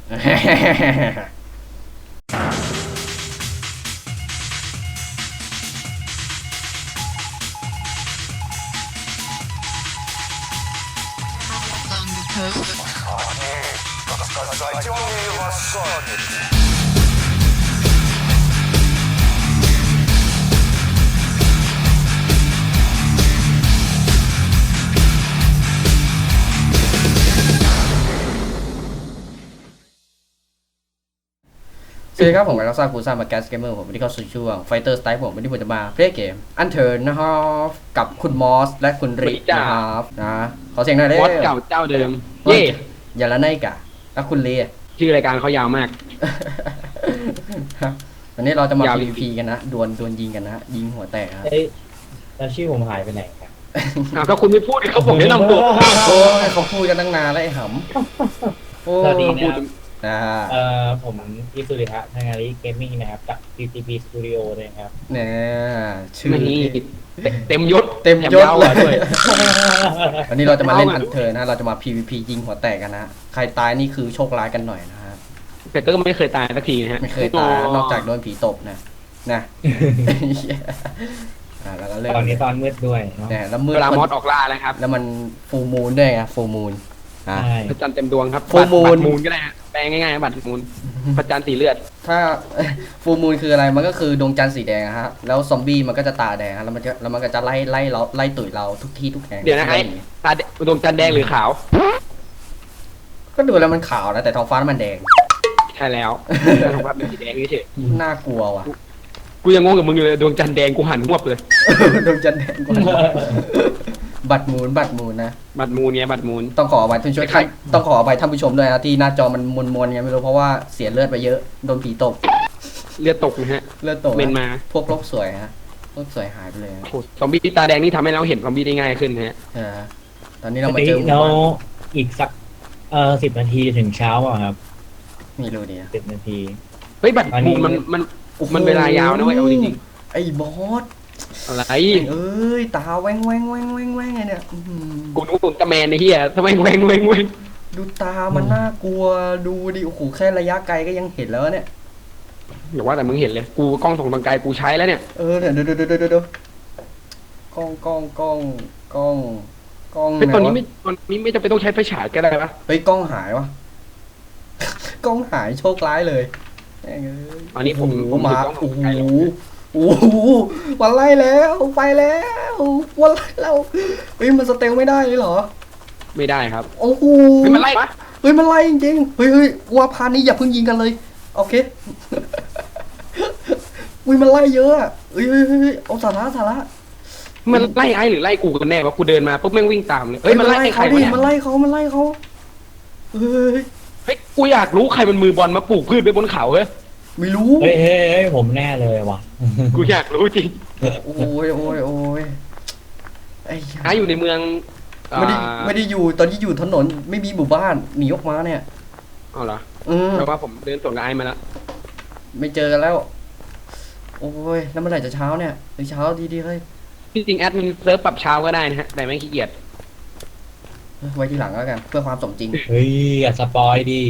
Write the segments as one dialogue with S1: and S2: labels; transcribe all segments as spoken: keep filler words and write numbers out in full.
S1: สวัสดีครับผมกับเราซาคูซ่ามาแกสเกมเมอร์ผมวันนี้เข้าสู่ช่วงไฟเตอร์สไตล์ผมวันนี้ผมจะมาเพลย์เกมอันเทิร์นนะครับกับคุณมอสและคุณริกนะครับนะขอเสียงหน่อยเด้
S2: มอสเก่าเจ้าเดิมเย่
S1: อย่าละไนกะแล้วคุณเลี
S2: ชื่อรายการเขายาวมาก
S1: วันนี้เราจะมา
S2: ยาว
S1: PVP กันนะดวลดวลยิงกันนะยิงหัวแตกครับ
S3: เอ้ยแล้วชื่อผมหายไปไหนครับ
S2: อ้าวก็คุณไม่พูดเขาผมแนะนำตัว
S1: โอ้ยเขาพูดกันตั้งนานแล้วไอ้หำโอ้
S3: สวัสดี
S1: ย
S3: นะครับ
S1: นะฮะ
S3: เอ่อผมอิสุริฮะทางงานรีเกมมิ่งนะครับกับ พี ที พี Studio เลยครับ
S1: เนี่ยชื่อ
S2: นี่เต็มยศ
S1: เต็มยศ
S2: แถาว
S1: เล
S2: อะด้วย
S1: ย วันนี้เราจะมาเล่น
S2: เอา
S1: อั
S2: อะ
S1: นเทิร์นนะเราจะมา PVP ยิงหัวแตกกันนะ ใครตายนี่คือโชคร้ายกันหน่อยนะฮะ
S2: แต่ก็ไม่เคยตายสักทีนะฮะ
S1: ไม่เคยตายนอกจากโดนผีตบนะนะอ่าแล้วก็เริ่ม
S3: ตอนนี้ตอนมืดด้วยเนาะ
S1: เนี่ยแล้วมืด
S2: เวลามอสออกล่าแล้วครับ
S1: แล้วมันฟูมูนด้วยไงฟูมูนอ่ะ
S3: ใช่
S2: พระจันทร์เต็มดวงครับ
S1: Full
S2: บัตร
S1: moon
S2: บัตรมูลก็ได้ฮะแปลงง่ายๆบัตรมูลพระจันทร์สีเลือด
S1: ถ้า ฟูมูนคืออะไรมันก็คือดวงจันทร์สีแดงอะฮะแล้วซอมบี้มันก็จะตาแดงฮะแล้วมันจะแล้วมันก็จะไล่ไล่เราไล่ตุ๋ยเราทุกที่ทุกแห่ง
S2: เดี๋ยวนะไอ้ตาแดดวงจันทร์แดงหรือขาว
S1: ก็ดูแล้วมันขาวนะแต่ท้องฟ้ามันแดง
S2: ใช่แล้วผมว่าเป็นสีแดงเฉย
S1: น่ากลัวว่ะ
S2: ๆกูยังงงกับมึงอยู่เลยดวงจันทร์แดงกูหันหวบเลย
S1: ดวงจันทร์แดงกว่าบัตรมูนบัตรมูนนะ
S2: บัตรมูลไงบัตรมูล
S1: ต้องขออภัยท่านผู้ชม
S2: ใคร
S1: ต้องขออภัยท่านผู้ชมด้วยนะที่หน้าจอมันมนๆไงไม่รู้เพราะว่าเสียเลือดไปเยอะโดนผีตบ
S2: เลือดตกนะฮะ
S1: เลือดตก
S2: เมนมา
S1: พวกโรคสวยฮะโรคสวยหายไปเลย
S2: โอ้โหซอมบี้ตาแดงนี่ทำให้เราเห็นซอมบี้ได้ง่ายขึ้นนะฮะ
S1: เออตอนนี้เรามาเจอหมู่
S3: แล้ว
S1: บ้าน
S3: อีกสักเอ่อสิบนาทีถึงเช้าอ่ะครับ
S1: ไม่รู้ดีนะ
S3: สิบนาที
S2: เฮ้ยบัตร
S3: อันนี้
S2: มูลมันมันมันเวลายาวนะเว้ยเอาจริง
S1: ไอ้บอส
S2: ๆอะไร
S1: เอ้ยตาแวงแวงแวงแวงแวงไงเนี่ยอื้อหือ
S2: กูนึกว่าอุลตร้าแมนไอ้เหี้ยทำไมแหวงแหวงแหวง
S1: ดูตามันน่ากลัวดูดิโอ้โหแค่ระยะไกลก็ยังเห็นแล้วเนี่ย
S2: อย่าว่าแต่มึงเห็นเลยกูกล้องส่องทางไกลกูใช้แล้วเนี่ย
S1: เออเนี่ยเดี๋ยวเดี๋ยวเดี๋ยวเดี๋ยวกล้องกล้องกล้องกล้องกล้อง
S2: เฮ้ยตอนนี้
S1: หวะ
S2: ไม่ตอนนี้ไม่จำเป็นต้องใช้ไฟฉายก็ได้ปะ
S1: เฮ้ยกล้องหายวะ กล้องหายโชคร้ายเลยแม่งเอ้ย
S2: อันนี้ผม
S1: โอ้
S2: ผม
S1: โหมา
S2: ถือกล้องส่
S1: โอ้
S2: อง
S1: โห
S2: ไกลแล้ว
S1: โอ้โหวันไล่แล้วไปแล้ววันไล่แล้วเฮ้ยมันสเตลไม่ได้เลยเหรอ
S2: ไม่ได้ครับ
S1: โอ้โห
S2: เฮ้ยมันไล่ปะ
S1: เฮ้ยมันไล่จริงๆเฮ้ยเฮ้ยว่าพานี้อย่าเพิ่งยิงกันเลยโอเค อุ้ยมันไล่เยอะอะเฮ้ยเฮ้ยเฮ้ยเอาสาระสาระ
S2: มันไล่ไอ้หรือไล่กูกันแน่วะกูเดินมาปุ๊บแม่งวิ่งตามเลยเฮ้ยมันไล่ใคร
S1: เขา
S2: วะ
S1: ดิ
S2: เนี่ย
S1: มันไล่เขามันไล่เขาเฮ้ย
S2: เฮ้ยกูอยากรู้ใครมันมือบอลมาปลูกพืชไว้บนเขาเฮ้ย
S1: ไม่รู้
S3: เฮ้ยเฮ้ยเฮ้ยผมแน่เลยว่ะ
S2: กูอยากรู้จริง
S1: โอ้ยโอ้ยโอ้ยไอ้
S2: ไอ้อยู่ในเมือง
S1: ไม่ได้
S2: อ่า
S1: ไม่ได้อยู่ตอนที่อยู่ถนนไม่มีหมู่บ้านหนีออกมาเนี่ย
S2: เอาเหรอ
S1: อืม
S2: แปลว่าผมเดินสวนกับไอ้มาแล้ว
S1: ไม่เจอกันแล้ว โอ้ยแล้วเมื่อไหร่จะเช้าเนี่ยหรือเช้าดีดีเฮ้ย
S2: จริงๆแอดมินเซิร์ฟปรับเช้าก็ได้นะฮะแต่ไม่งขี้เกียจ
S1: ไว้ทีหลังแล้วกันเพื่อความสมจริง
S3: เฮ้ยอย่าสปอยดิ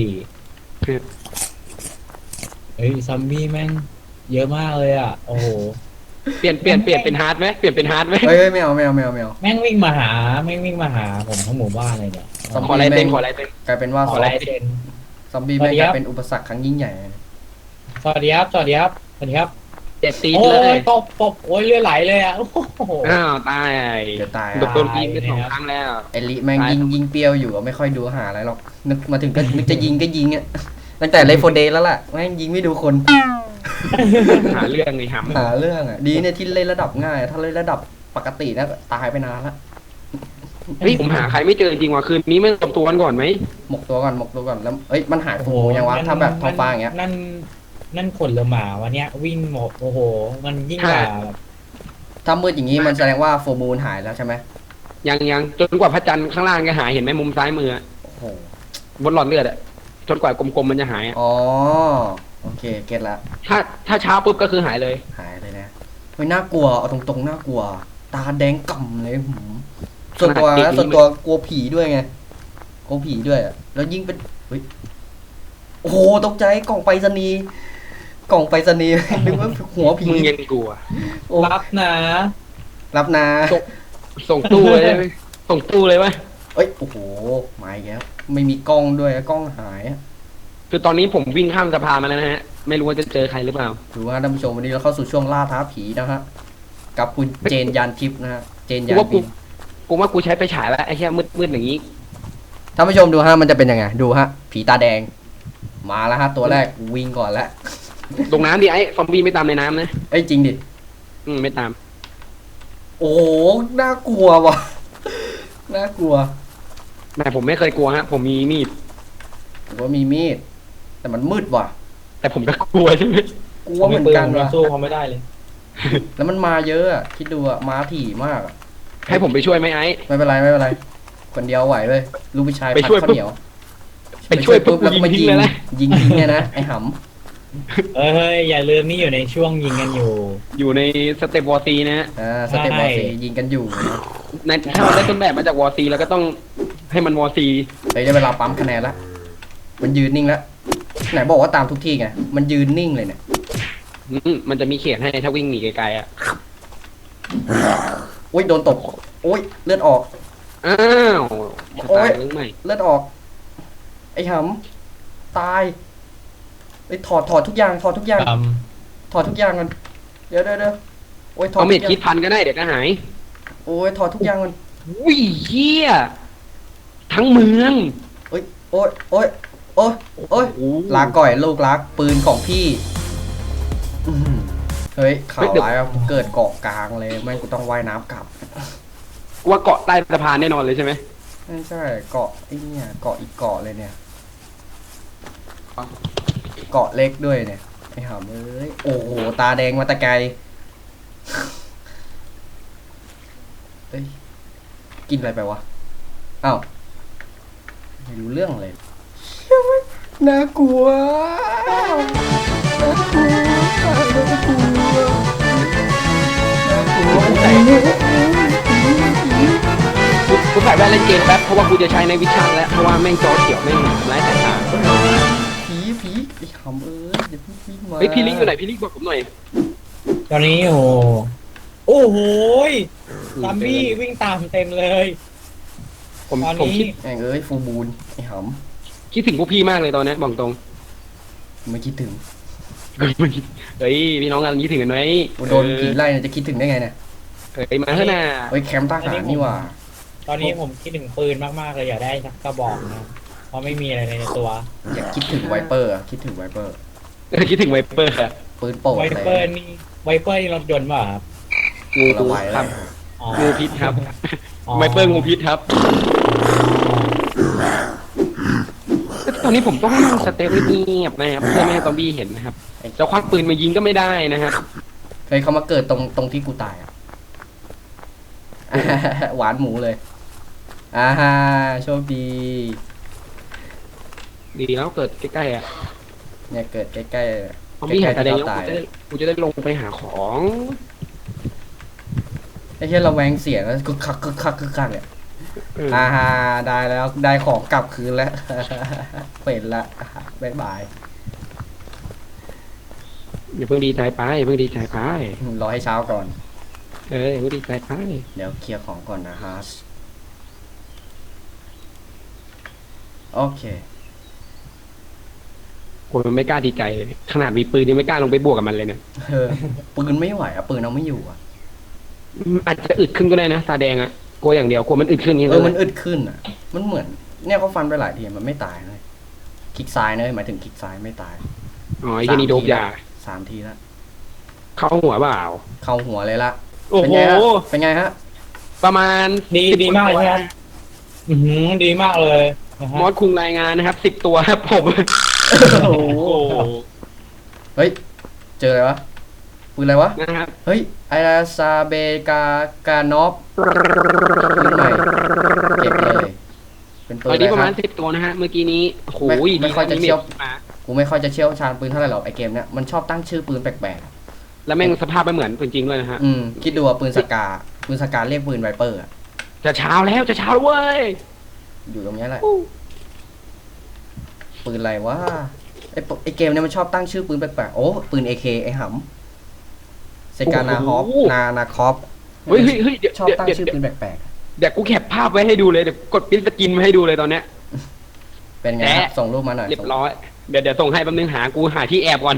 S3: เฮ้ยซัมบี้แม่งเยอะมากเลยอ่ะโอ้โห
S2: เปลี่ยนเปลี่ยนเปลี่ยนเป็นฮาร์ดไหมเปลี่ยนเป็นฮาร์ดไหม
S1: เฮ้ยเฮ้ยไม่เอาไม่เอาไม่เอาไม่เอา
S3: แม่งวิ่งมาหาแม่งวิ่งมาหาผมทั้งหมู่บ้านเลยเนี่ย
S1: ซอม
S2: ขอ
S1: บี้
S2: ลาย
S1: แม่
S2: เต้น
S1: ง
S2: ขอลายเต้น
S1: กลายเป็นว่า
S3: ขอลายเซ็น
S1: ซอมบี้แม่ง
S3: สวัสดี
S1: ก
S3: ครั
S1: ลา
S3: บ
S1: ยเป็นอุปสรรคครั้งยิ่งใหญ่
S3: สวัสดีครับสวัสดีครับสวัสดีครับ
S2: เจ็ดตี
S3: โอ้
S2: เลย
S3: ยตบตบโอ้ยเลือดไหลเลยอ่ะโอ้โห
S2: อ้าวตาย
S1: เดี๋ยวตาย
S2: โด
S1: อะ
S2: นโดนยิงไปสองครั้งแล้ว
S1: ไอลิแม่ง
S2: ตาย
S1: ยิงยิงเปรี้ยวอยู่อะไม่ค่อยดูหาอะไรหรอกนึกมาถึงก็นึกจะยิงก็ยิงอ่ะตั้งแต่เลฟโฟเดย์แล้วล่ะแม่งยิงไม่ดูคน
S2: หาเรื่องไอ้หำ
S1: หาเรื่องอ่ะดีเนี่ยที่เล่นระดับง่าย ถ้าเล่นระดับปกตินะตายไปนานละ
S2: เฮ้ยผมหาใครไม่เจอจริงว่ะคืนนี้ไม่ตบตัวกันก่อนไหม
S1: หมกตัวก่อนหมกตัวก่อนแล้วเอ้ยมันหายฟูยังวะถ้าแบบท้องฟ้าอย่างเงี้ย
S3: นั่นนั่นขนเรือหมาวันเนี้ยวิ่งหมดโอ้โห มันยิ่งกว่าแบบ
S1: ถ้ามืดอย่างงี้มันแสดงว่าโฟมูลหายแล้วใช่ไหม
S2: ยังยังจนกว่าพระจันทร์ข้างล่างจะหายเห็นไหมมุมซ้ายมืออะ
S1: โอ้โห
S2: บนหลอดเลือดอะจนกว่ากลมๆมันจะหายอะ
S1: อ๋อโอเคเก็ตละ
S2: ถ้าถ้าเช้าปุ๊บก็คือหายเลย
S1: หายเลยนะเฮ้ยน่ากลัวเอาตรงๆน่ากลัว ตาแดงก่ำเลยหืมส่วนตัวนะส่วนตัวกลัวผีด้วยไงกลัวผีด้วยอะแล้วยิ่งเป็นเฮ้ยโอ้โหตกใจกล่องไปรษณีย์กล่องไปรษณีย์ นึกว่าหัวผี
S2: มึงยังกลัว
S1: โอ้
S3: รับนะ
S1: รับนา
S2: ส่งส่งตู้เลยไหมส่งตู้เลยไหม
S1: เอ้ยโอ้โหมาอีกแล้วไม่มีกล้องด้วยกล้องหายอะ
S2: คือตอนนี้ผมวิ่งข้ามสะพานมาแล้วนะฮะไม่รู้ว่าจะเจอใครหรือเปล่า
S1: ดูว่าท่านผู้ชมวันนี้เราเข้าสู่ช่วงล่าท้าผีนะฮะกับคุณเจนยานทิพย์นะฮะเจน
S2: กู
S1: ยาน
S2: ว่ากู
S1: บิน
S2: กูว่ากูใช้ไปฉายแล้วไอ้แค่มืดมืดอย่างนี้
S1: ท่านผู้ชมดูฮะมันจะเป็นยังไงดูฮะผีตาแดง มาแล้วฮะตัวแรกวิ่งก่อนแล้ว
S2: ลงน้ำดิไอ้ซอมบี้ไม่ตามในน้ำนะ
S1: เอ้ยจริงดิ
S2: อืมไม่ตาม
S1: โอ้โหน่ากลัวว่ะ น่ากลัว
S2: แต่ผมไม่เคยกลัวฮะ ผมมีมีด
S1: ผมว่ามีมีด แต่มันมืดว่ะ
S2: แต่ผมก็กลัวใช่ไหม
S1: กลัวเหมือนกัน
S3: ผม
S1: ว่ะ
S3: สู้เขาไม่ได้เลย
S1: แล้วมันมาเยอะอะคิดดูอะมาถี่มากอะ
S2: ให้ผมไปช่วยไหมไอ้
S1: ไม่เป็นไรไม่เป็นไร คนเดียวไหวเลยลูกผู้ชาย
S2: ไป
S1: ผัด
S2: ช่วย
S1: ข้าวเหนียว
S2: ไปช่วยปุ๊บ
S1: แล้วก็มา
S2: ยิ
S1: ยิ
S2: ง
S1: ง
S2: ทิ้งเลยนะ
S1: ยิงทิ้งเนี่ยนะไอ้ห
S3: เฮ้ยอย่าลืมนี่อยู่ในช่วงยิงกันอยู่
S2: อยู่ในสเต็ปวอร์ซีนะฮะ
S1: ำอ่าสเต็ปบอลซียิงกันอยู่นะ
S2: ในถ้าเราได้ต้นแบบมาจากวอร์ซีเราก็ต้องให้มันวอร์ซี
S1: เฮ้ยได้เวลาปั๊มคะแนนละมันยืนนิ่งแล้วไหนบอกว่าตามทุกที่ไงมันยืนนิ่งเลยเนี่ย
S2: อืมมันจะมีเขียนให้ถ้าวิ่งหนีไกลๆอ่ะ
S1: โอ้ยโดนตบโอ้ยเลือดออก
S2: อ้าวจะ
S1: โอ๊
S2: ตาย
S1: ย
S2: หรือไม่
S1: เลือดออก ไอ้หำตายไอ้ยถอดถอดทุกอย่างถอดทุกอย่าง
S3: ตาม
S1: ถอดทุกอย่างมันเดี๋ยวเดี๋ยวเดี๋ยวโอ้ยถอด
S2: เอา
S1: ทุ
S2: เม็ด
S1: กอย่า
S2: คิด
S1: ง
S2: พันก็ได้เดี๋ยวก็หาย
S1: โอ้ยถอดทุกอย่างมัน
S2: อุ้ยเฮียทั้งเมือง
S1: โอ้ยโอ้ยโอ้ยโอ้ยโอ้ย
S2: โอ้โห
S1: ลาก่อยลูกรักปืนของพี่อื้อหือเฮ้ยข่าวร้ายว่าเกิดเกาะกลางเลยแม่งกูต้องว่ายน้ำกลับ
S2: ว่าเกาะใต้สะพานแน่นอนเลยใช่ไหม
S1: ไม่ใช่เกาะไอ้เนี่ยเกาะอีกเกาะเลยเนี่ย เกาะเล็กด้วยเนี่ยไอ้หำเอ้ยโอ้โหตาแดงมาแตะไกลเอ้ยกินอะไรไปวะอ้าวไม่รู้เรื่องเลยน่ากลัวน่ากลัวน่ากลัวน่ากลัว
S2: กูกูใส่แว่นเล่นเกมแป๊บเพราะว่ากูจะใช้ในวิชั่นแล้วเพราะว่าแม่งจอเขียวแม่งทำร้ายสายตา
S1: ผีผีไอ้หำเอ้ยเดี๋ยวพี่วิ่งมา
S2: เฮ้ยพี่ลิงอยู่ไหนพี่ลิงบอกผมหน่อย
S3: ตอนนี้โอ้โอ้โหยซัมบี้วิ่งตามเต็มเลย
S2: ผม
S3: ตอน
S2: ผม
S3: นี้
S2: คิด
S1: แม่งเอ้ยฟูบูนไอ้ห
S2: คิดถึงพวกพี่มากเลยตอนนี้บอกตรง
S1: ำไม่คิดถึง
S2: เฮ้ยพี่น้องกันคิดถึงกันไหม
S1: โดนผีไล่เนี่ยจะคิดถึงได้ไงเนี่ย
S2: เฮ้ยมาเถอะนะ
S1: เฮ้ยแคมป์ทหารนี่หว่า
S3: ตอนนี้ผมคิดถึงปืนมากๆเลยอยากได้สักกระบอกนะเพราะไม่มีอะไรในตัว
S1: อยากคิดถึงไวเปอร์อะคิดถึงไวเปอร์
S2: เออคิดถึงไวเปอร์อะ
S1: ปืนโป่ง
S3: ไว
S1: เลย
S3: เปอร์นี่ไวเปอร์นี่รถยนต์ป่ะครับ
S2: งู
S1: ละไว
S2: ค
S1: แล้
S2: รั
S1: ว
S2: บ
S3: อ๋อ
S2: งูพิษครับ
S3: อ๋อ
S2: ไวเปอร์งูพิษครับตอนนี้ผมต้องนั่งสเตปเงียบนะครับเพื่อไม่ให้ซอมบี้เห็นนะครับจะควักปืนมายิงก็ไม่ได้นะครับ
S1: เฮ้ยเขามาเกิดตรงตรงที่กูตายอ่ะ หวานหมูเลยอ่าฮะโชคดี
S2: ดีแล้วเกิดใกล้ๆอ่ะ
S1: เนี่ยเกิดใกล้ๆ
S2: ซอมบี้
S1: ใกล้
S2: หาย
S1: ๆ
S2: ตาแด
S1: ที่
S2: ง
S1: เรา
S2: แล้ว
S1: ตาย
S2: กูจะได้กูจะได้ลงไปหาของ
S1: ไอ้เช่นเราแวงเสียงแล้วกึกคักกึกคักกึกคักเนี่ย
S2: เออ
S1: อ่าฮะได้แล้วได้ของกลับคืนแล้ว เป็นละบ๊ายบาย
S2: อย่าเพิ่งดีใจไปอย่าเพิ่งดีใจไป
S1: รอให้เช้าก่อน
S2: เอออย่าเพิ่งดีใจไป
S1: เดี๋ยวเคลียร์ของก่อนนะฮะโอเค
S2: คนมันไม่กล้าดีใจเลยขนาดมีปืนยังไม่กล้าลงไปบวกกับมันเลยเนี่ย
S1: เออปืนไม่ไหวอ่ะปืนเอาไม่อยู่อ่ะ
S2: อืมอาจจะอึดขึ้นก็ได้นะตาแดงอ่ะกลัวอย่างเดียวกลัวมันอึดขึ้นนี่
S1: เอ
S2: เล
S1: อย มันอึดขึ้นอ่ะ มันเหมือน เนี่ยเขาฟันไปหลายทีมันไม่ตายเลยคลิกซ้ายนะหมายถึงคลิกซ้ายไม่ตาย
S2: อ๋อไอ้ที่นี่โดบยา
S1: สามทีแล้ว
S2: เข้าหัวเปล่า
S1: เข้าหัวเลยละ
S2: โอ้
S1: เป็น
S2: โห
S1: ไงฮะเป็นไงฮะ
S2: ประมาณ
S3: ดี
S2: สิบ
S3: ดีมากเลยครับอือหือดีมากเลยนะฮะ
S2: มอสคุงรายงานนะครับสิบตัวครับผม
S1: โอ้โห
S2: โอ้โห
S1: เฮ้ยเจออะไรวะปืนอะไรวะ
S2: นะครับ
S1: เฮ้ยไอราซาเบกากานอฟปืนใหม่เก็บเลยเป็นปื
S2: ต
S1: น
S2: อน
S1: อะไร
S2: นี้ประ
S1: ค
S2: มา
S1: รั
S2: ณ
S1: บ
S2: สิบตัวนะฮะเมื่อกี้นี้โอ้โห
S1: ไม่ไม่ค่อยจะ
S2: ดีน
S1: เชี่ยว
S2: มา
S1: กูไม่ค่อยจะเชี่ยวชาญปืนเท่าไหร่หรอกไอเกมเนี้ยมันชอบตั้งชื่อปืนแปลก
S2: แล้วแม่งสภาพไม่เหมือนปืนจริงด้วยนะฮะ
S1: ๆอืมคิดดูว่าปืนสกาปืนสกาเรียกปืนไวเปอร์อะ
S2: จะเช้าแล้วจะเช้าแล้วเว้ย
S1: อยู่ตรงเนี้ยแหละปืนอะไรวะไอ้ปไอ้เกมเนี่ยมันชอบตั้งชื่อปืนแปลกๆโอ้ปืน เอ เค ไอ้หำเซกานาฮอฟนานาคอฟ
S2: เฮ้ยเฮ้ยเฮ้ยเดี๋ยว
S1: ชอบ
S2: เดี๋ยว
S1: ตั้ง
S2: เดี๋ยว
S1: ชื่อปืนแปลก
S2: เดี๋ยวกูแคปภาพไว้ให้ดูเลยเดี๋ยวกดปริ้นสกินมาให้ดูเลยตอนเนี้ย
S1: ๆเป็นไงครับส่งรูปมาหน่อย
S2: เรียบร้อยเดี๋ยวเดี๋ยวส่งให้แป๊บนึงหากูหาที่แอบก่อน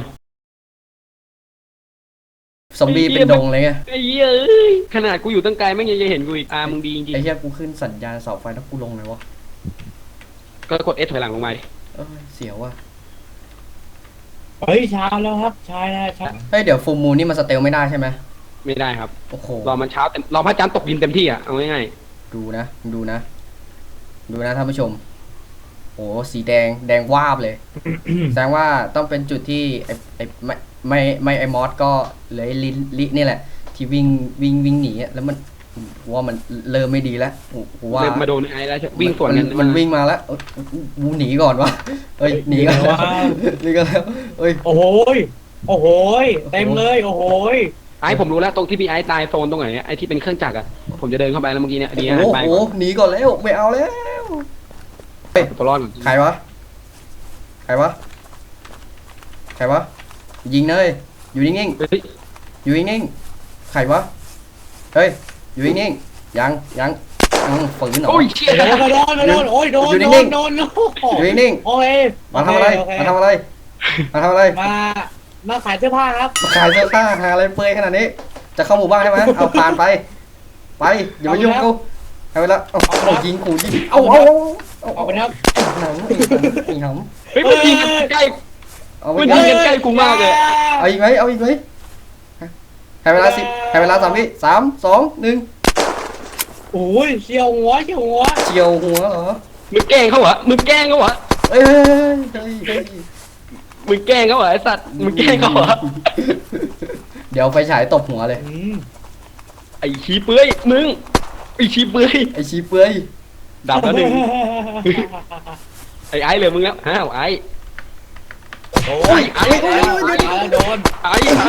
S1: ซอมบี้เป็นดงเลยไง
S2: ไอ้เหี้ยเอ้ยขนาดกูอยู่ตั้งไกลแม่งยังจะเห็นกูอีกอ่ามึงดีจริง
S1: ไอ้เหี้ยกูขึ้นสัญญาณเสาไฟแล้วกูลงเลยวะ
S2: ๆก็กดเอสถอยหลังลงมาดิ
S1: เอ้ยเสียวว่ะ
S3: เฮ้ยเช้าแล้วครับเช้าแล้วเช้า
S1: เฮ้ยเดี๋ยวฟูมูนนี่มันสเตลไม่ได้ใช่ไหม
S2: ไม่ได้ครับ
S1: โอ้โห
S2: รอมันเช้าเต็มรอพระจันทร์ตกดินเต็มที่อ่ะเอาง่าย
S1: ดูนะดูนะ ดูนะท่านผู้ชมโอ้สีแดงแดงวาบเลย แสดงว่าต้องเป็นจุดที่ไอ้ไอ้ไม่ไม่ไม่ไอ้มอสก็เลยลิลินี่แหละ ที่วิ่งวิ่งวิ่งหนีอะแล้วมันกูว่ามันเริ่มไม่ดีแล้วกูกู
S2: ๆ
S1: ว่า
S2: เริ่มมาโดนไอ้แล้ววิ่งสวนกัน
S1: มันมันวิ่งมาแล้วเอ้ยกูหนีก่อนวะเอ้ยหนีกันแล้วหนีกันแล้วเอ้ย
S3: โอ้โหยโอ้โหยเต็มเลยโอ้โหย
S2: ไอ้ผมรู้แล้วตรงที่พี่ไอ้ตายโซนตรงไหนเนี่ยไอ้ที่เป็นเครื่องจักรอ่ะผมจะเดินเข้าไปแล้วเมื่อกี้เนี่ยดี
S1: โอ้
S2: นะ
S1: โห
S2: ไป
S1: โอ้
S2: ก่อน
S1: โหหนีก่อนแล้วไม่เอาแล้ว
S2: ตัวรอดก่อน
S1: ใครวะใครวะใครวะยิงเลยอยู่นิ่ง
S2: เฮ้ย
S1: ๆอยู่นิ่งๆใครวะเฮ้ยอยู่นิ่งๆยังยังอืมฝืนเหรอ
S2: โอ้ยเชี่ย
S3: โดนโดนโดนโอ้ยโดน
S1: อยู่
S3: โด
S1: นิ่
S3: น
S1: งๆ
S3: โดนโดน
S1: อยู่นิ่ง
S3: โอเค
S1: ๆมาทำอะไร
S3: โเค
S1: มาทำอะไรมาทำอะไร
S3: มามาขายเสื้อผ้าครับ
S1: มาขายเสื้อผ้าหาอะไรเปลือยขนาดนี้ จะเข้าหมู่บ้านใช่ไหมเอาผ่านไป ไปอย่ามายุ่งกูเอาไปละเอาเอายิงขู่ยิงเอาเอาเอา
S3: ออกไปนะครับ
S1: หนังไอ้หำ
S2: เฮ้ยมันยิงกันใกล้
S1: เอาไป
S2: มัน
S1: กั
S2: ยิ
S1: น
S2: งกันใกล้กูมากเลย
S1: เอาอีกไหมเอาอีกไหมให้เวลาสิให้เวลาสามวิสามสองหนึ่ง
S3: โอ้ยเฉียวหัวเฉียวหัว
S1: เฉียวหัวเหรอ
S2: มึงแกล้งเขาเหรอมึงแกล้งเขาเหรอ
S1: เอ้ยเฮ้ยเฮ้ยเฮ้ย
S2: มึงแกล้งเขาเหรอไอ้สัตว์มึงแกล้งเขาเหรอ
S1: เดี๋ยวไฟฉายตบหัวเลย
S3: อืม
S2: ไอ้ชี้เปื้อยมึงไอ้ชี้เปื้อย
S1: ไอชีเปื่อย
S2: ดับแล้วหนึ่งไอ้ไอ้เหลือมึงแล้วอ้าวไอ้
S3: โอ้ย
S2: ไอ้
S3: ไอ้
S2: ไอ้
S3: ไอ้ไอ้โดน
S2: ไอ้ไอ้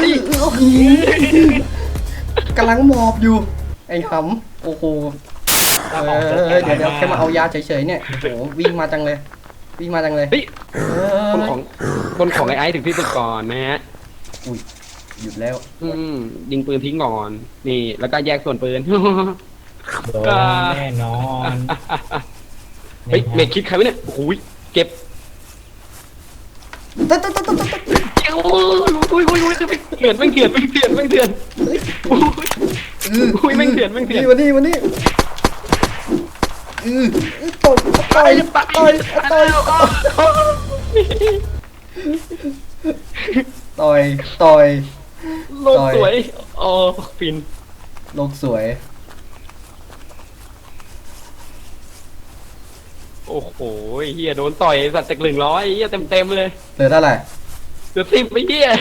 S1: กำลังหมอบอยู่ ไอ้หำโอ้โหเออเดี๋ยวเดี๋ยวแค่มาเอายาเฉยๆเนี่ยโอ้โหวิ่งมาจังเลย วิ่งมาจังเลย
S2: เฮ้ย
S1: เอ
S2: คน
S1: อ
S2: ของคนของไอ้ไอ้ถึงที่สุดก่อนนะฮะ
S1: อุ้ยหยุดแล้ว
S2: อืมยิงปืนทิ้งก่อนนี่แล้วก็แยกส่วนปืน
S3: โดนแน่นอน
S2: เฮ้ยเมดคิดใครวะเนี่ยโอ้โหเก็บ
S1: ตึ๊ดตึ๊ดตึ๊ดตึ๊ดตึ๊ด
S2: โอ้ยโอ้ยโอ้ยโอ้ยเถื่อนแม่งเถื่อนแม่งเถื่อนแม่งเถื่อนโอ้ย
S1: อือ
S2: อุ้ยแม่งเถื่อนแม่งเถื่อน
S1: นี่วันนี้วันนี้อือต่อยต่อยต่อยต่อยต่อยต่อย
S2: โลกสวยอ๋อฟิน
S1: โลกสวย
S2: โอ้โหเฮียโดนต่อยสัตว์จากหนึ่งร้อยเฮียเต็มเต็มๆเลย
S1: เหลือเท่าไหร่
S2: เกือบสิบไปเฮีย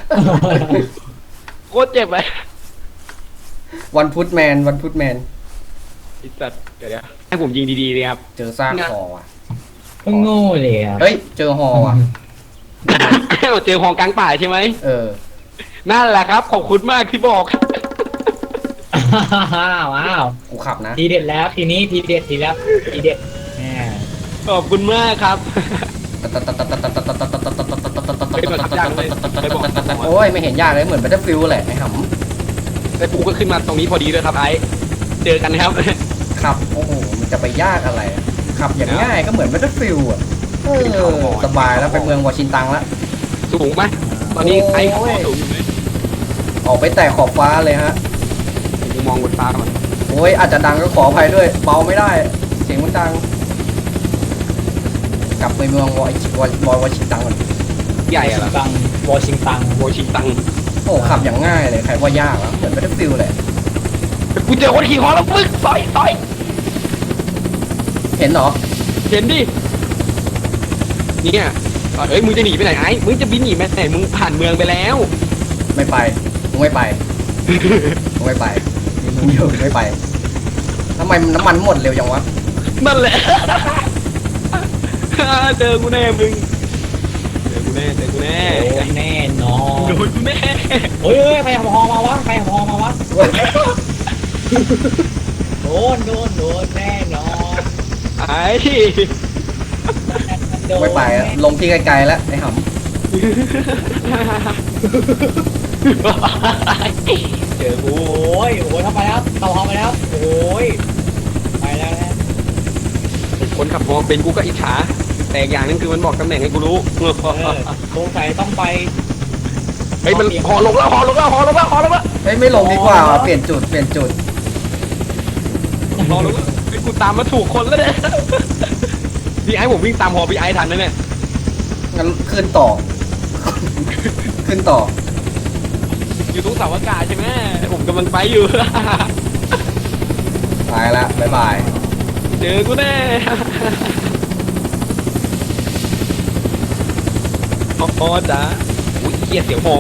S2: โคตรเจ็บเลย
S1: วันพุธแมนวันพุธแมน
S2: ไอ้สัตว์เดี๋ยวๆให้ผมยิงดีๆเลยครับ
S1: เจอซากคอว่ะ
S3: ก็โง่เลยอ่ะ
S1: เฮ้ยเจอฮอว่ะ
S2: เจอของกลางป่าใช่ไหม
S1: เออ
S2: นั่นแหละครับขอบคุณมากที่บอก
S3: ว้าวว้าว
S1: กูขับนะ
S3: ทีเด็ดแล้วทีนี้ทีเด็ดทีแล้วทีเด็ดแหม
S2: ขอบคุณมากครับ
S1: โอ้ยไม่เห็นยากเลยเหมือน Battlefield แหละไอ้ห
S2: แต่กูก็ขึ้นมาตรงนี้พอดีด้วยครับไอ้เจอกันนะครับ
S1: ำขับโอ้โหมันจะไปยากอะไรอะขับอย่างง่ายก็เหมือน Battlefield อ่ะเออสบายแล้วไปเมืองวอชิงตันละ
S2: สูงไหมตอนนี้ไอ้เขาสูงอยู่ไหม
S1: ออกไปแตะขอบฟ้าเลยฮะ
S2: กูมองบนฟ้าก่อน
S1: โอ้ยอาจจะดังก็ขออภัยด้วยเบาไม่ได้ เสียงมันดัง กลับไปเมืองวอชิวอวอชิงตันก่อน
S2: ใหญ่อะเหรอ
S3: ตังวอชิงตัน
S2: โวชิงตัง
S1: โอ้ขับอย่างง่ายเลยใครว่ายากอ่ะเหมือน Battlefield แหละ
S2: แต่กูเจอคนขี่คอแล้วปึ๊กต่อยต่อย
S1: เห็นเหรอ
S2: เห็นดิเนี่ยเอ้ยมึงจะหนีไปไหนไอ้มึงจะบินหนีไปไหนมึงผ่านเมืองไปแล้ว
S1: ไม่ไปมึงไม่ไปมึงไม่ไปมึงอยู่ไม่ไปทำไมน้ำมันหมดเร็วจังวะ
S2: นั่นแหละ เจอกูแน่มึงเจอกูแน่เจอกูแน่
S3: โดนแน่นอน
S2: โดนกูแน่
S3: เฮ้ยเฮ้ยใครหอมาวะใครหอมาวะโดนโดนโดนแน่นอน
S2: ไอ้
S3: โดน
S1: ไม่ไปอะลงที่ไกลๆแล้วไอ้ห
S2: เจอกู
S3: โอ้ยโอ้ยเข้าไปแล้วเข้าห้องไปแล้วโอ้ยไปแล้วนะ
S2: คนขับมองเป็นกูก็อิจฉาแต่อย่างนึงคือมันบอกตำแหน่งให้กูรู้
S3: เออสงสัยต้องไป
S2: เฮ้ยมันหอลงแล้วหอลงแล้วหอลงแล้วหอลงแล้ว
S1: เฮ้ยไม่ลงดีกว่าว่ะเปลี่ยนจุดเปลี่ยนจุด
S2: หอลงแล้วไอ้กูตามมาถูกคนแล้วเนี่ยพี่ไอ้ผมวิ่งตามหอพี่ไอ้ทันนะเนี่ย
S1: งั้นขึ้นต่อ ขึ้นต่อ
S2: อยู่ตรงเสาอากาศใช่ไหมผมกำลังไปอยู่
S1: ไปละบ๊ายบาย
S2: เจอกูแน่อ๋อจ้าอุ้ยเกียเสียงหอ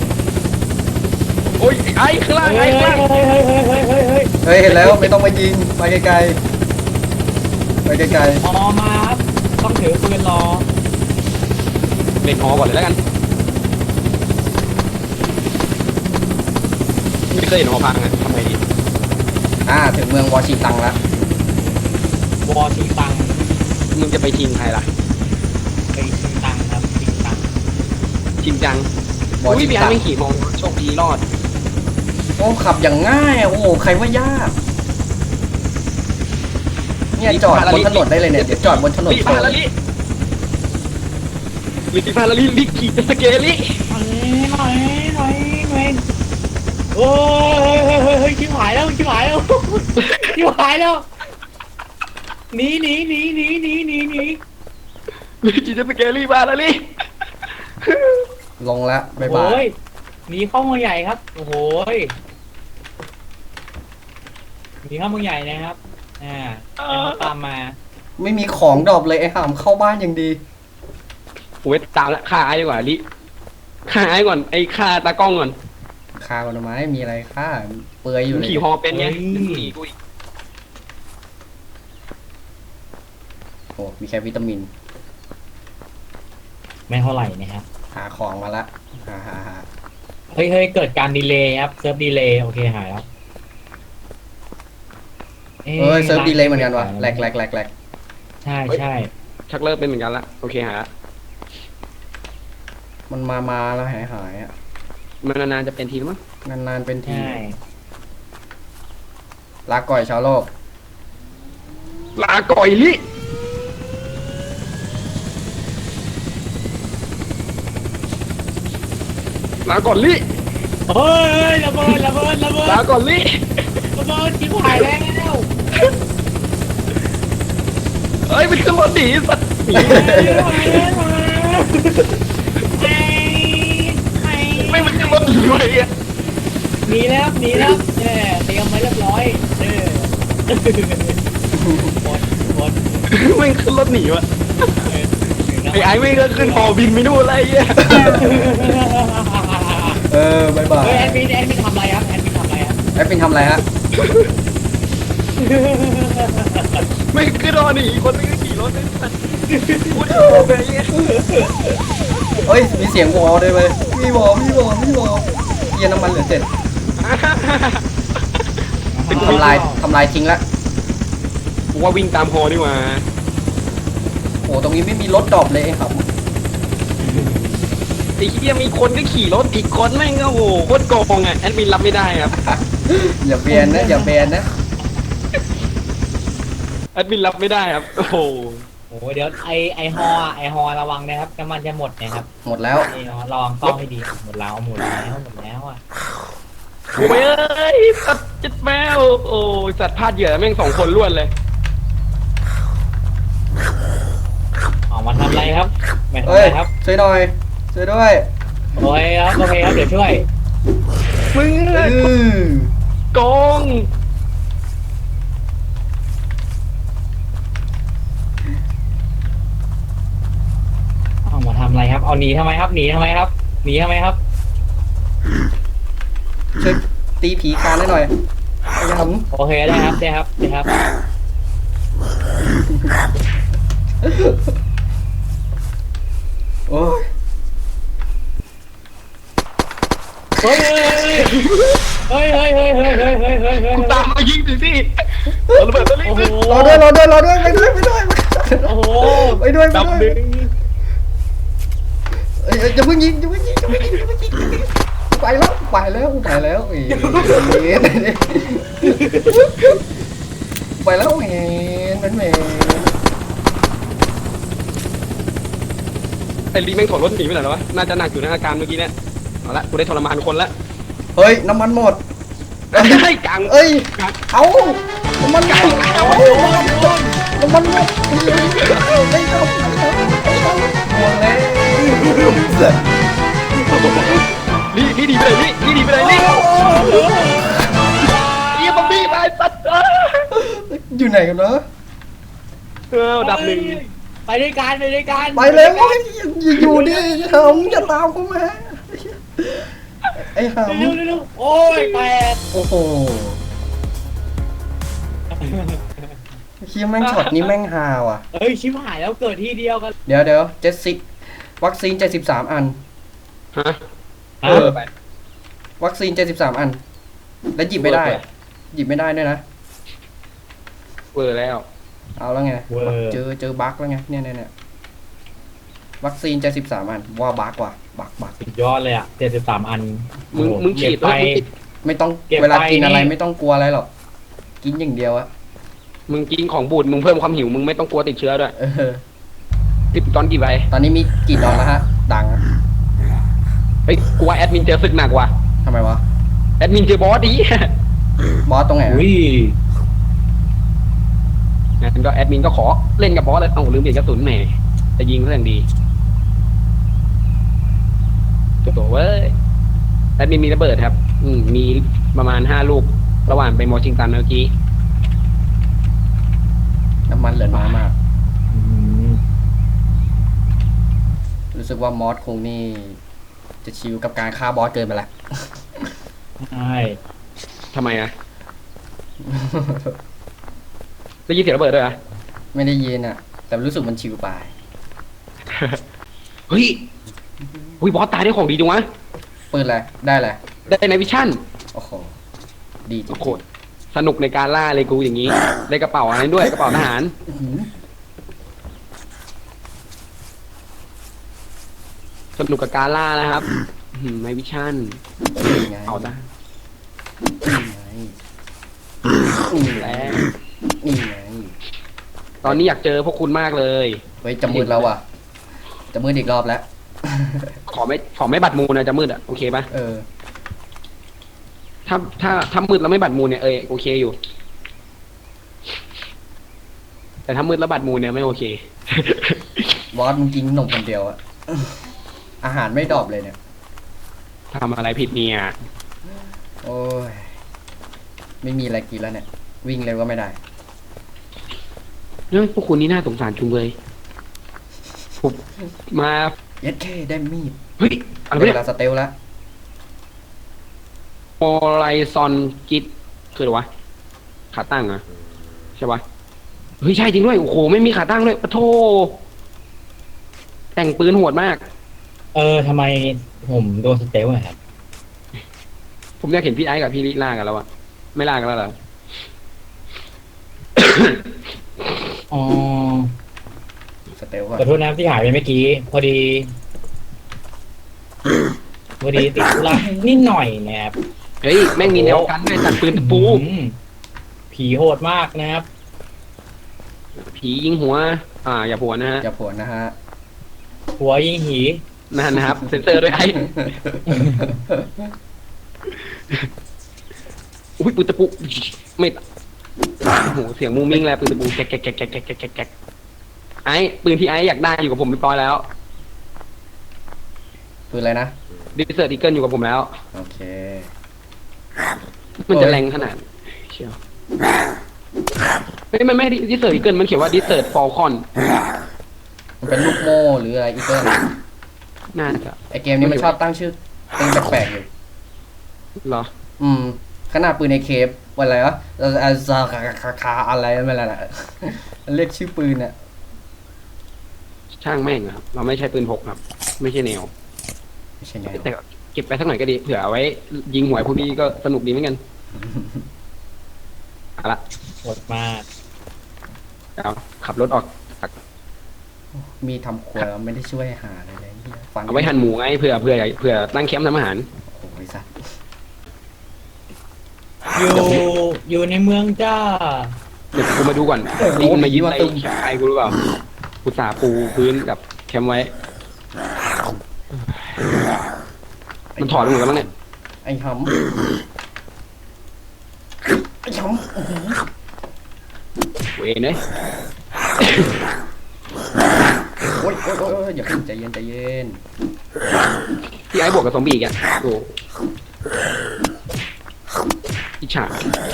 S2: โอ้ยไอ้ข้างล่าง
S3: เฮ้
S2: ไอ้
S3: ย
S2: ข้างล่าง
S3: เฮ้ยเฮ้ยเฮ้ยเฮ้ยเฮ้ยเฮ้ย
S1: เฮ้ยเห็นแล้วไม่ต้องมายิงไปไกลๆไปไกล
S3: ออมาครับต้องถือปืนรอ
S2: เล่นหอก่อนเลยแล้วกันไม่เคยเห็นหอพังอะทำไงดี
S1: ๆอ่าถึงเมืองวอชิงตันละ
S3: วอชิงตัง
S2: มึงจะไปชิงใครล่ะ
S3: ไปชิงตังครับชิงตัง
S2: ชิงจัง
S1: วอ
S2: อุ้ย
S1: ชิง
S2: พี่
S1: ตั
S2: อาน ไม่ขี่มองโชคดีรอด
S1: โอ้ขับอย่างง่ายอะโอ้โหใครว่ายากเนี่ยจอดบนถนนได้เลยเนี่ยเดี๋ยวจอดบนถนน
S2: ลิฟาลาลิลิฟาลาลิลิขี่สเกลิ
S3: หน่อยหน่อยหน่อยหน่อยโอ้ยเฮ้ยเฮ้ยเฮ้ยชิบหายแล้วชิบหายแล้วชิบหายแล้วหนีหนีหนีหนีหนีหนีหนี
S2: ลิขี่สเกลิมาลาลิ
S1: ลงละบ๊ายบา
S3: โอ้
S1: ย
S3: ยหนีเข้าเมืองใหญ่ครับโอ้โหยหนีเข้าเมืองใหญ่นะครับอ่าให้เขาตามมา
S1: ไม่มีของดรอปเลยไอ้ห่ามเข้าบ้านอย่างดี
S2: โอ้ยตามละฆ่าไอ้ดีกว่าลิฆ่าไอ้ก่อนไอ้ฆ่าตากล้องก่อน
S1: ฆ่ากันทำไมมีอะไรฆ่าเปลือยอยู่
S2: มึง
S1: เลย
S2: ขี่ฮอเป็นไงขี่กูอีก
S1: โอ้มีแค่วิตามิน
S3: ไม่เท่าไหร่นะครับ
S1: หาของมาละหาหาหา
S3: เฮ้ยเฮ้ยเกิดการดีเลย์ครับเซิร์ฟดีเลย์โอเคหายแล้ว
S1: เอ้ยเซิร์ฟดีเลยเหมือนกันวะแหลกแหลกแหลกแหลก
S3: ใช่ใช่
S2: ชักเลิกเป็นเหมือนกันละโอเคฮะ
S1: มันมามาแล้วหายหายอ่ะ
S2: มันนานๆจะเป็นทีมั้ง
S1: นานๆเป็นที
S3: ใช่
S1: ลาก่อยชาวโลก
S2: ลาก่อยลิลาก่อนลิ
S3: เฮ้ยระเบิดระเบิดระเบิด
S2: ลาก่อนลิ
S3: ระเบิดจิ้มหายแล้ว
S2: เอ้ยมันขึ้นรถหนีสัตว์หนีไม่มันขึ้นรถหนีไว้อะ
S3: หนีแล้วหนีแล้วเนี่ยเตรียมไว้เรียบร้อยเออหมดหมด
S2: ไม่ขึ้นรถหนีวะ
S3: เออ
S2: ไอ้ไอ้ไม่ก็ขึ้นหอบินไปนู่นอะไรเงี้ย
S1: เออบายบาย
S3: เฮ้ยแอดมินแอดมินทำอะไรครับแอดมินทำอะไรครับ
S1: แอปปินทำอะไรฮะ
S2: ไม่ขึ้นรอหนีคนนึงก็ขี่รถไอ้สัตว์พูดโอเคเงี้ย
S1: เฮ้ยมีเสียงวอลด้วยเว้ยมีวอลมีวอลมีวอลเยียน้ำมันเหลือเจ็ดทำลายทำลายทิ้งละ
S2: กูว่าวิ่งตามฮอดีกว่า
S1: โอ้ตรงนี้ไม่มีรถดรอปเลยไอ้ครับ
S2: ไอ้เหี้ยมีคนก็ขี่รถอีกคนแม่งก็โอ้โหโคตรโกงอ่ะแอดมินรับไม่ได้ครับ
S1: อย่าเบียนนะอย่าเบียนนะ
S2: แอดมินรับไม่ได้ครับโอ้โห
S3: โอ้เดี๋ยวไอไอฮอไอฮอระวังนะครับน้ำมันจะหมดนะครับ
S1: หมดแล้ว
S3: ไอฮอระวังต้องให้ดีหมดแล้วหมดแล้วหมดแล้วอ่ะ
S2: โอ้ยเอ้ยสัตว์จิตแมวโอ้ยสัตว์พลาดเหยื่อแม่งสองคนล้วนเลย
S3: ออกมาทำอะไรครับไม่ทำ
S1: เอ้
S3: อะ
S1: ย
S3: ไรครับ
S1: ช่วยหน่อยช่วยด้วย
S3: โอ้ยครับโอเคครับเดี๋ยวช่วย
S2: มึง
S1: อือ
S2: โกง
S3: เอามาทำอะไรครับ เอาหนีทำไมครับ หนีทำไมครับ หนีทำไมครับ
S1: ช่วยตีผีคานให้หน่อยพยายาม
S3: โอเคได้ครับได้ครับได้ครับ
S1: โอ้ย
S3: เฮ้ยเฮ้ยเฮ้ยเฮ้ยเฮ้ยเฮ้ยเฮ้ยเฮ้ยเฮ้ย
S2: กูตามมายิงสิสิเอาระเบิดตัวนี้
S3: โอ้โห
S1: รอด้วยรอด้วยรอด้วยไปด้วยไปด้วย
S3: โอ้โห
S1: ไปด้วยไป
S3: ดับ
S1: ด้วย
S3: ดึง
S1: เอ้ยเอ้ยอย่าเพิ่งยิงอย่าเพิ่งยิงอย่าเพิ่งยิงอย่าเพิ่งยิงไปแล้วไปแล้วไปแล้วเอ้ยไปแล้วแหนมันแหน
S2: ไอ้ลีแม่งถอดรถหนีไปไหนแล้ววะน่าจะหนักอยู่ในอาการเมื่อกี้เนี่ยเอาละกูได้ทรมานคนละ
S1: เฮ้ยน้ำมันหมด
S2: ไอ้กลาง
S1: เอ้ย
S2: กลาง
S1: เอาน้ำมันหมดเอาน้ำมันหมดไม่ต้องหมดเลย
S2: ลีลีดีไปเลยลีลีดีไปเลยลีเยี่ยมบัมบี้ไปสัตว์
S1: อยู่ไหนกันเนอะ
S2: เออดับหนึ่ง
S3: ไปด้วยกันไปด้วยกัน
S1: ไปเลยอย่าอยู่ดิหำอย่าตามเข้ามาไอ้ห
S3: เร็วเร็วเร็วโอ้ยแปด
S1: ำโอ้โหคิดแม่งช็อตนี้แม่งฮาว่ะ
S3: เฮ้ยชิบหายแล้วเกิดที่เดียวกัน
S1: เดี๋ยวเดี๋ยวเจ็ดสิบวัคซีนเจ็ดสิบสามอัน
S2: ฮะ
S3: เอ
S2: เอ
S3: อ
S2: อไป
S1: วัคซีนเจ็ดสิบสามอัน แล้วหยิบไม่ได้อะหยิบไม่ได้ด้วยนะ
S2: เวอร์แล้ว
S1: เอาแล้วไง
S3: เวอร์
S1: เจอเจอบั๊กแล้วไงเนี่ยเนี่ยเนี่ยวัคซีนเจ็ดสิบสามอันว่าบั๊กว่ะบั๊กบั๊ก
S3: สุดยอดเลยอ่ะเจ็ดสิบสามอัน
S2: มึงมึงฉีด
S3: ไป
S2: แล้วมึงฉีด
S1: ไม่ต้อง
S3: เก็บ
S1: เวลา
S3: ไป
S1: กินอะไร
S3: นี่
S1: ไม่ต้องกลัวอะไรหรอกกินอย่างเดียวอะ
S2: มึงกินของบูดมึงเพิ่มความหิวมึงไม่ต้องกลัวติดเชื้อด้วย
S1: เออ
S2: ติดตอนกี่ใบ
S1: ตอนนี้มีกี่ดอนแล้วฮะ ดังอะ
S2: เฮ้ยกูว่าแอดมินเจอศึกหนักว่ะ
S1: ทำไมวะ
S2: แอดมินเจอบอสดี
S1: บอสตรงไหนอะ
S3: อุ้ย
S2: งั้นก็แอดมินก็ขอเล่นกับบอสเลยเอ้าลืมเปลี่ยนกระสุนแหมจะยิงก็อย่างดีโถ่เว้ยแอดมินมีระเบิดครับ อืมมีประมาณห้าลูก ระหว่างไปมอชิงตันเมื่อกี้
S1: น้ำมันเหลือน้อยมาก
S3: อืม
S1: รู้สึกว่ามอสคงนี่ จะชิวกับการฆ่าบอสเกินไปละ
S3: ใช่
S2: ทำไมอะได้ยินเสียงระเบิดด้วยอะ
S1: ไม่ได้ยินอะแต่รู้สึกมันชิวไป
S2: เฮ้ยอุ้ยบอสตายได้ของดีจังวะ
S1: ปืนอะไรได้อะไร
S2: ได้ในวิชั่น
S1: โอ้โหดีจริง
S2: โอ้โหสนุกในการล่าเลยกูอย่างนี้ ได้กระเป๋าอะไรด้วยกระเป๋าทหาร
S1: ๆอื้อหือ
S2: สนุกกับการล่านะครับอืมในวิชั่น
S1: นี่ไง
S2: เอาซะ
S1: นี่ไงนี่ไง
S2: แล้ว
S1: นี่ไง
S2: ตอนนี้อยากเจอพวกคุณมากเลย
S1: เฮ้ยจะมืดแล้วอ่ะจะมืดอีกรอบแล้ว
S2: ขอไม่ขอไม่บัดมูลนะจะมืดอ่ะโอเคปะ
S1: เออ
S2: ถ้าถ้าถ้ามืดแล้วไม่บัดมูลเนี่ยเออโอเคอยู่ แต่ถ้ามืดแล้วบัดมูลเนี่ยไม่โอเค
S1: บอสมึงกินขนมคนเดียวอะ อาหารไม่ดรอปเลยเนี่ย
S2: ทำอะไรผิดเนี่ย
S1: โอ้ย ไม่มีอะไรกินแล้วเนี่ย วิ่งเร็วก็ไม่ได้
S2: เรื่องพวกคุณนี่น่าสงสารจุงเลยผมมา
S1: เย็ดเคได้มีด
S2: เฮ้ยอะไร
S1: ได้
S2: เนี่
S1: เวย ลาสเตลแล้ว
S2: โมไลซอนกิดคืออะไรวะขาตั้งเหรอะใช่ปะเฮ้ยใช่จริงด้วยโอ้โหไม่มีขาตั้งด้วยปะโทแต่งปืนโหดมาก
S3: เออทำไมผมโดนสเตลอะครับ
S2: ผมอยากเห็นพี่ไอ้กับพี่ลิล่ากันแล้วอะไม่ล่ากันแล้วเหรอ
S3: อ๋อ
S1: สเตลก่อน
S3: ขอโทษนะที่หายไปเมื่อกี้ พอดี พอดีติดธุระนิดหน่อยนะครับ
S2: เฮ้ยแม่งมีแนวกันด้วยตัดปืนตะปู
S3: อืมผีโหดมากนะครับ
S2: ผียิงหัว อ่า อย่าผัวนะฮะ
S1: อย่าผวนนะฮะ
S3: หัวยิงหี
S2: นั่นนะครับ เซ็นเซอร์ด้วยไอ้อุ้ยปืนตะปูไม่โอ้โหเสียงมูมิ่งแล้วปืนตะปูแก๊กแก๊กแก๊กแก๊กแก๊กแก๊กแก๊กแก๊กไอ้ปืนที่ไอ้อยากได้อยู่กับผมเรียบร้อยแล้ว
S1: ปืนอะไรนะ
S2: ดิเซอร์ดิเกิลอยู่กับผมแล้ว
S1: โอเค
S2: มันจะแรงขนาดเชียวไม่ไม่ไม่ดิเซอร์ดิเกิลมันเขียนว่าดิเซอร์ฟอลคอน
S1: มันเป็นลูกโม่หรืออะไรอีกเกิล
S2: น่าจะ
S1: ไอเกมนี้มันชอบตั้งชื่อเต็งแปลกๆอยู่
S2: เหรอ
S1: อืม ขนาดปืนในเคปวันอะไรวะอาซาคาคาคาอะไรไม่ละน่ะ เรียกชื่อปืนอะ
S2: ช่างแม่งอะครับ เราไม่ใช่ปืนพกครับ ไม่ใช่แนว
S1: ไม่ใช่ไง
S2: แต่ก็เก็บไปสักหน่อยก็ดีเผื่อเอาไว้ ยิงหวยพวกนี้ก็สนุกดีเหมือนกันเอาละ
S3: โหดมาก
S2: เอาขับรถออกจาก
S1: มีทำครัวไม่ได้ช่วยหาอะไรเลยฟัน
S2: เอาไว้หั่นหมูไงเผื่อเผื่อเผื่อตั้งแคมป์ทำอาหาร
S1: โอ้ยสัตว์
S3: อยู่อยู่ในเมืองจ้า
S2: เดี๋ยวกูมาดูก่อนนี่มันมายิ้มอะไรไอ้กูรู้เปล่ากูสาปูพื้นกับแคมป์ไว้ มันถอดไปหมดแล้วมั้งเนี่ย
S1: ไอ้หำไอ้หำอื้อหือ
S2: เวยเนย
S1: โอ้ยโอ้ยโอ้ยโอ้ยอย่าขึ้นใจเย็นใจเย็น
S2: พี่ไอ้บวกกับซอมบี้อีกอ่ะโอ้อิจฉา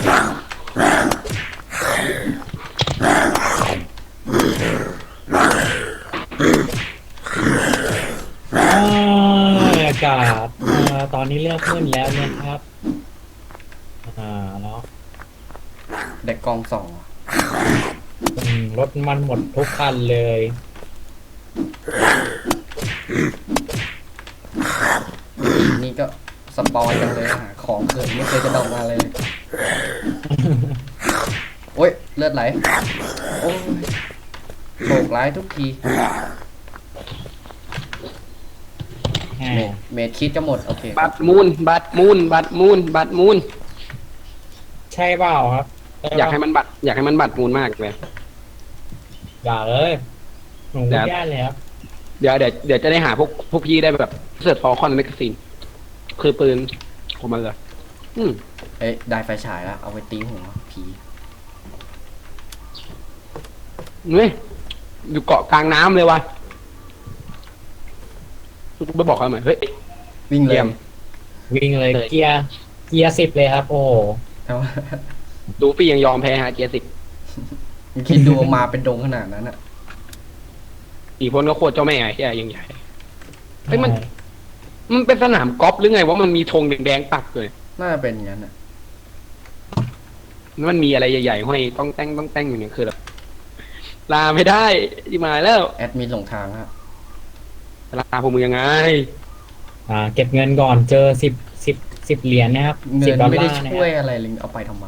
S3: อ่าอากาศอ่าตอนนี้เริ่มมืดแล้วนะครับอ่าแล้ว
S1: เด็กกองสอง
S3: อืมรถมันหมดทุกคันเลย
S1: นี่ก็สปอยกันเลยหาของเกิดไม่เคยจะดอกมาเลย โอ้ยเลือดไหล โอ้ยโศกร้ายทุกที
S3: อ่า
S1: เมดเมดคิดจะหมด โอเค
S2: บัตรมูนบัตรมูนบัตรมูนบัตรมูน
S3: ใช่เปล่าครับช่เปล่
S2: อยากให้มันบัตรอยากให้มันบัตรมูนมากเลย
S3: อย่าเลยหนู
S2: เดี๋
S3: ไม่
S2: ยว
S3: ได้เลยครับ
S2: เดี๋ยวเดี๋ยวเดี๋ยวจะได้หาพวกพวกพี่ได้แบบเสิร์ชฟอร์คอนแมกกาซีนคือปืนของมันเลยอืม
S1: เอ้ยได้ไฟฉายแล้ว เอาไปตีหัวผี
S2: เฮ้ยอยู่เกาะกลางน้ำเลยวะกูไปบอกเขาหน่อยเฮ้ย
S1: วิ่งเล
S2: เยี่
S1: ย
S2: ยม
S3: วิ่งเลย
S2: เลย
S3: เกียร์เกียร์สิบเลยครับ โอ้โห
S1: เอา
S2: ดูฟี่ยังยอมแพ้ฮะเกียร์สิบ
S1: คิดดูมาเป็นดงขนาดนั้นอะ
S2: อีกคนก็โคตรเจ้าแม่ไอ้เหี้ยยังใหญ่เฮ้ยมันมันเป็นสนามกอล์ฟหรือไงว่ามันมีธงแดงๆปักเลย
S1: น่าจะเป็นอย่างนั้นอะ
S2: มันมีอะไรใหญ่ๆห้อยต้องแต่งต้องแต่งอยู่เนี่ยคือแบบลาไม่ได้ที่มาแล้ว
S1: แอดมินหลงทางฮะ
S2: ลาพวกมึงยังไง
S3: อ่า เก็บเงินก่อนเจอสิบสิบสิบเหรียญนะครับ
S1: เงิ
S3: สิบ
S1: น
S3: ดอล
S1: ไม่
S3: ลา
S1: ได้
S3: ร์นะค
S1: ช่วย
S3: รับ
S1: อะไรเลยเอาไปทำไม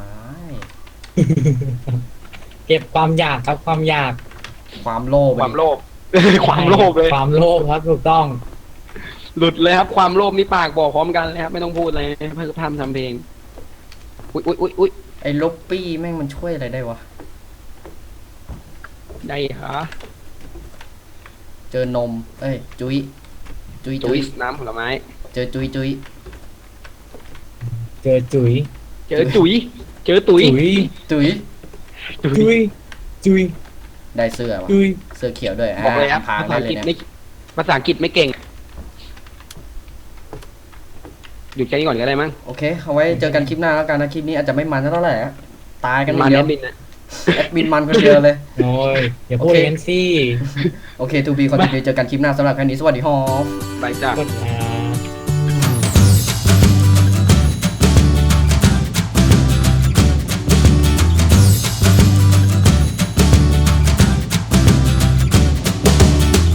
S3: เก็บความอยากครับความอยาก
S1: ความโลภ
S2: ความโลภ ความโลภเลย
S3: ความโลภครับถูกต้อง
S2: หลุดเลยครับความโลภนี่ปากบอกพร้อมกันเลยครับไม่ต้องพูดอะไรเพื่อทำทำเพลงอุ้ยอุ้ยอุ้ยอุ้ย
S1: ไอ้ลบปี้แม่งมันช่วยอะไรได้วะ
S2: ได้ฮะ
S1: เจอนม เอ้ย จุยจุย
S2: จุ
S1: จุ
S2: ย
S1: ย
S2: น้ำผลไม้
S1: เจอจุยจุย
S3: เจอจุ๋ย
S2: เจอจุยเจอตุย
S3: จุ๋ย
S1: จุย
S3: จุ๋ยจุ๋ย
S1: ได้เสื้อวะ
S3: จุ๋ย
S1: เสื้อเขียวด้วย
S2: บอกเลยครับ
S1: พาง
S2: ภา
S1: ได้
S2: ษาอั
S1: เล
S2: ง
S1: ย
S2: กฤษ
S1: เนี่ย
S2: ไม่ภาษาอังกฤษไม่เก่งหยุดแค่นี้ก่อนก็ได้มั้ง
S1: โอเค เอาไว้เจอกันคลิปหน้าแล้วกันนะ คลิปนี้อาจจะไม่มันเท่าไหร่อะตายกัน
S2: มา
S1: เดี
S2: แน
S1: ยว
S2: บินนะ
S1: แอดมินมันคนเดียวเลย
S3: โอ้ยอย่าพูด
S1: โอเค
S3: เล่นสิ
S1: โอเคทูบีคอนติเนียเจอกันคลิปหน้าสำหรับแค่นี้สวัสดีฮอ
S2: ไปจ้า
S3: กดนะ